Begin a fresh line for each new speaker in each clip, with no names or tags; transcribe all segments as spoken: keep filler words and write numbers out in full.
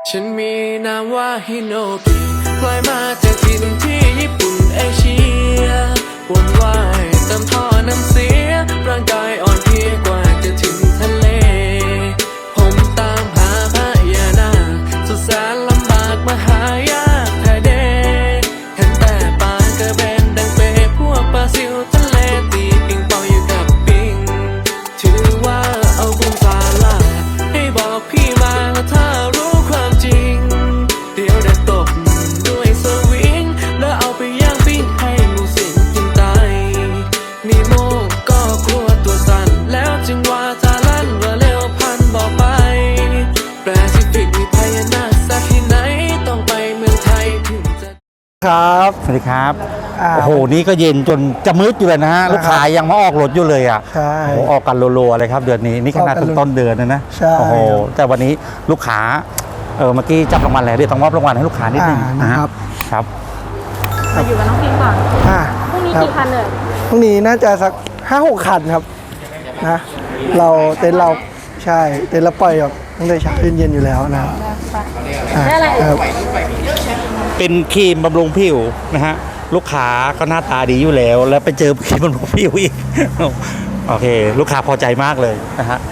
ฉันมีนามว่าฮิโนกิพลอยมาจากถิ่นที่ญี่ปุ่นเอเชียวนว่ายเติมท่อน้ำเสียร่างกายอ่อนเพลียกว่าจะถึงทะเลผมตามหาพญานาคสุดแสนลำบากมาหายากแท้เดเห็นแต่ปลากระเบนดังเปพวกปลาซิวทะเลตีปิงปองอยู่กับปิงถือว่าเอาบุญตาลาให้บอกพี่มาถ้ารู้ความจริงเดี๋ยวได้ตบด้วยสวิงแล้วเอาไปย่างปิ้งให้งูสิงกินตายนีโมก็กลัวตัวสั่นแล้วจึงว่าตาลั่นว่าเร็วพันบอกไปแปซิฟิกมีพญานาคสักที่ไหนต้องไปเมืองไทยถึงจะ
ครับ
สวัสดีครับโอ้โหนี่ก็เย็นจนจะมืดอยู่เลยนะฮะลูกค้ายังมาออกรถอยู่เลยอ่ะ
ใช่
โอ้ออกกันรัวๆเลยครับเดือนนี้นี่ขนาดต้นเดือนนะนะโอ้โหแต่วันนี้ลูกค้าเออเมื่อกี้จับรางวัลแล้วเดี๋ยวต้องมอบรางวัลให้ลูกค้านิดนึงนะครับครับ
มาอยู่กับน้องพิมก่อน
อ่า
พรุ่งนี้กี่คันเลย
พรุ่งนี้น่าจะสักห้าหกคันครับนะเราเต็นเราใช่เต็นเราปล่อยแบบตั้งแต่เช้าเย็นๆอยู่แล้วนะครับ
ได้อะไร
เป็นครีมบำรุงผิวนะฮะลูกค้าก็หน้าตาดีอยู่แล้วแล้วไปเจอครีมบำรุงผิวอีกโอเคลูกค้าพอใจมากเลยนะฮะ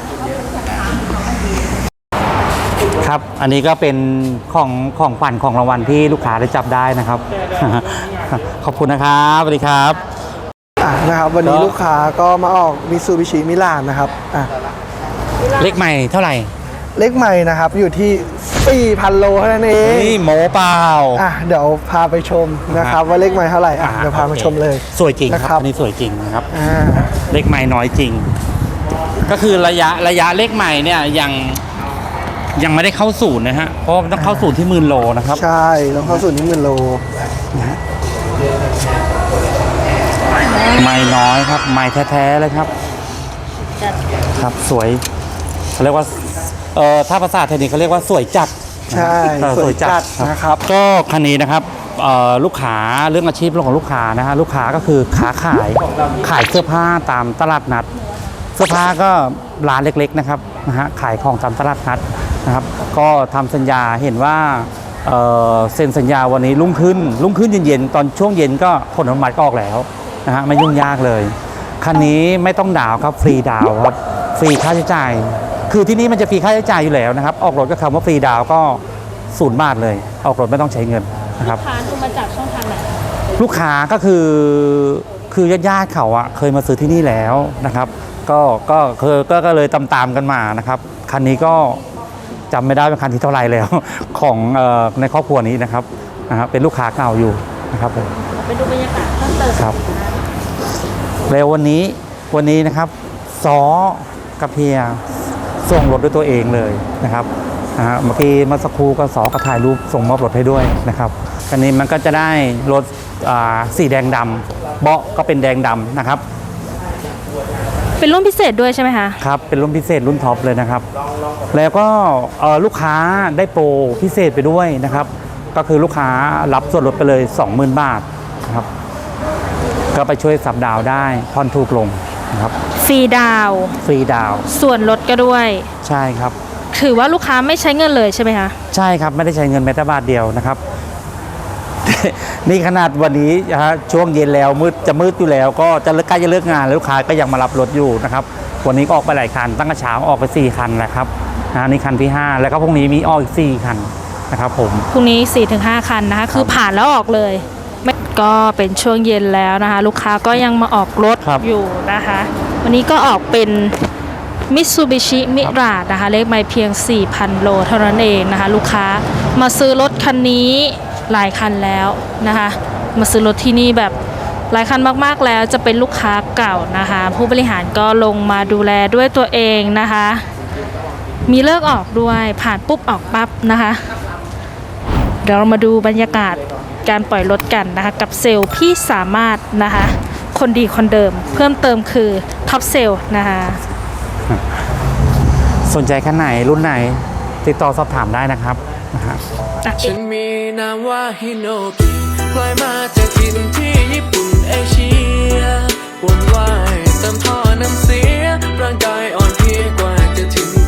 ครับอันนี้ก็เป็นของของขวัญของรางวัลที่ลูกค้าได้จับได้นะครับขอบคุณนะครับสวัสดีครับ
อ่ะนะครับวันนี้ลูกค้าก็มาออกมิซูบิชิมิลานนะครับอ่ะ
เลขใหม่เท่าไหร่
เลขใหม่นะครับอยู่ที่ สี่พัน โลเท่านั้นเอง
นี่โมเปล่า
อ่ะเดี๋ยวพาไปชมนะครับว่าเลขใหม่เท่าไหร่อ่ะเดี๋ยวพามาชมเลย
สวยจริงครับอันนี้สวยจริงนะครับเลขใหม่น้อยจริงก็คือระยะระยะเลขใหม่เนี่ยยังยังไม่ได้เข้าศูนย์นะฮะเพราะต้องเข้าศูนย์ที่หมื่นโลนะครับ
ใช่ต้องเข้าศูนย์ที่หมื่นโลนะ
ไม่น้อยครับไม่แท้ๆเลยครับครับสวยเขาเรียกว่าเอ่อถ้าภาษาเทคนิคเขาเรียกว่าสวยจัด
ใช่สวยจัดนะครับ
ก็คันนี้นะครับลูกค้าเรื่องอาชีพเรื่องของลูกค้านะฮะลูกค้าก็คือค้าขายขายเสื้อผ้าตามตลาดนัดเสื้อผ้าก็ร้านเล็กๆนะครับนะฮะขายของตามตลาดนัดนะครับก็ทำสัญญาเห็นว่าเอ่อเซ็นสัญญาวันนี้รุ่งขึ้นรุ่งขึ้นเย็นๆตอนช่วงเย็นก็ผลอนุมัติก็ออกแล้วนะฮะไม่ยุ่งยากเลยคันนี้ไม่ต้องดาวครับฟรีดาวครับฟรีค่าใช้จ่ายคือที่นี่มันจะฟรีค่าใช้จ่ายอยู่แล้วนะครับออกรถก็คำว่าฟรีดาวก็ศูนย์บาทเลยออกรถไม่ต้องใช้เงินนะครับ
ลูกค้าดูมาจากช่องทางไหน
ลูกค้าก็คือคือญาติๆเขาอะเคยมาซื้อที่นี่แล้วนะครับก็ก็เคยก็เลยตามๆกันมานะครับคันนี้ก็จำไม่ได้เป็นคันที่เท่าไหร่แล้วของในครอบครัวนี้นะครับนะครับเป็นลูกค้าเก่าอยู่นะครับผม
ไปดูบรรยากาศเพิ่มเติม
ครับแล้ววันนี้วันนี้นะครับซ้อกับเพียส่งรถด้วยตัวเองเลยนะครับนะฮะเมื่อกี้เมื่อสักครู่ก็สอก็ถ่ายรูปส่งมอบรถให้ด้วยนะครับคันนี้มันก็จะได้รถสีแดงดำเบาะก็เป็นแดงดำนะครับ
เป็นรุ่นพิเศษด้วยใช่ไหมคะ
ครับเป็นรุ่นพิเศษรุ่นท็อปเลยนะครับแล้วก็ลูกค้าได้โปรพิเศษไปด้วยนะครับก็คือลูกค้ารับส่วนลดไปเลย สองหมื่น บาทนะครับก็ไปช่วยสับดาวได้ผ่อนถูกลงนะครับ
ฟรีดาว
ฟรีดาว
ส่วนลดก็ด้วย
ใช่ครับ
ถือว่าลูกค้าไม่ใช้เงินเลยใช่ไหมคะ
ใช่ครับไม่ได้ใช้เงินแม้แต่บาทเดียวนะครับนี่ขนาดวันนี้ฮะช่วงเย็นแล้วมืดจะมืดอยู่แล้วก็จะใกล้จะเลิกงานแล้วลูกค้าก็ยังมารับรถอยู่นะครับวันนี้ก็ออกไปหลายคันตั้งแต่เช้าออกไปสี่คันแหละครับนะนี่คันที่ห้าแล้วก็พรุ่งนี้มีออกอีกสี่คันนะครับผม
พรุ่งนี้ สี่ถึงห้า คันนะคะคือผ่านแล้วออกเลยก็เป็นช่วงเย็นแล้วนะคะลูกค้าก็ยังมาออกรถอยู่นะคะวันนี้ก็ออกเป็นมิตซูบิชิมิราดนะคะเลขไมล์เพียง สี่พัน โลเท่านั้นเองนะคะลูกค้ามาซื้อรถคันนี้หลายคันแล้วนะคะมาซื้อรถที่นี่แบบหลายคันมากๆแล้วจะเป็นลูกค้าเก่านะคะผู้บริหารก็ลงมาดูแลด้วยตัวเองนะคะมีเลิกออกด้วยผ่านปุ๊บออกปั๊บนะคะเดี๋ยวเรามาดูบรรยากาศการปล่อยรถกันนะคะกับเซลล์พี่สามารถนะคะคนดีคนเดิมเพิ่มเติมคือท็อปเซลล์นะคะ
สนใจคันไหนรุ่นไหนติดต่อสอบถามได้นะครับ
ฉันมีนามว่าฮิโนกิพลอยมาจากถิ่นที่ญี่ปุ่นเอเชียวนว่ายเติมท่อน้ำเสียร่างกายอ่อนเพลียกว่าจะถึง